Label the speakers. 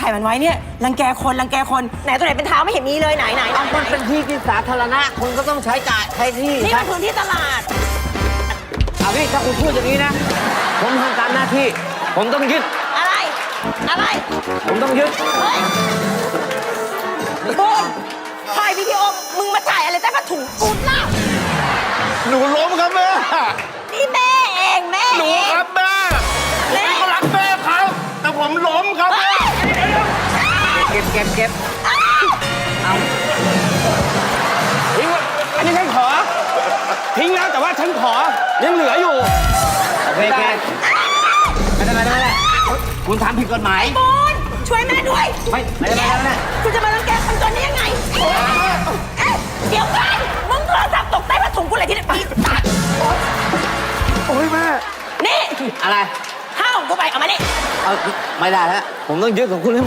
Speaker 1: ถ่ายมันไว้เนี่ยรังแกคนไหนตัวไหนเป็นเท้าไม่เห็นมีเลยไหน
Speaker 2: มันเป็นที่สาธารณะคุณก็ต้องใช้จ่ายใช้ที่
Speaker 1: นี่มันพื้นที่ตลาด
Speaker 2: เอาพี่ถ้าคุณพูดอย่างนี้นะผมทำตามหน้าที่ผมต้องยึด
Speaker 1: อะไร
Speaker 2: ผมต้องยึด
Speaker 1: เฮ้ยบูนถ่ายวิดีโอมึงมาถ่ายอะไรใต้ผ้าถุงกูล่ะ
Speaker 3: หนูล้มครับแม่
Speaker 1: นี่แม่เองแม่
Speaker 3: หนูครับแม่ผมก็รักแม่ครับแต่ผมล้มครับแม่
Speaker 2: เก็บเอาทิ้งอันนี้ฉันขอทิ้งแล้วแต่ว่าฉันขอยังเหลืออยู่โอเคไม่ได้คุณทำผิดกฎหมาย
Speaker 1: บูนช่วยแม่ด้วย
Speaker 2: ไม่ได้
Speaker 1: คุณจะมารังแกคนตัวนี้ยังไงเดี๋ยวกันมึงโทรศัพท์ตกใต้ผ้าถุงกูเลยที่นี่ปีศาจ
Speaker 3: โอ้ยแม่
Speaker 1: นี่
Speaker 2: อะไร
Speaker 1: ห้าของกูไปเอามานี่
Speaker 2: เอาไม่ได้แล้วผมต้องยึดของคุณให้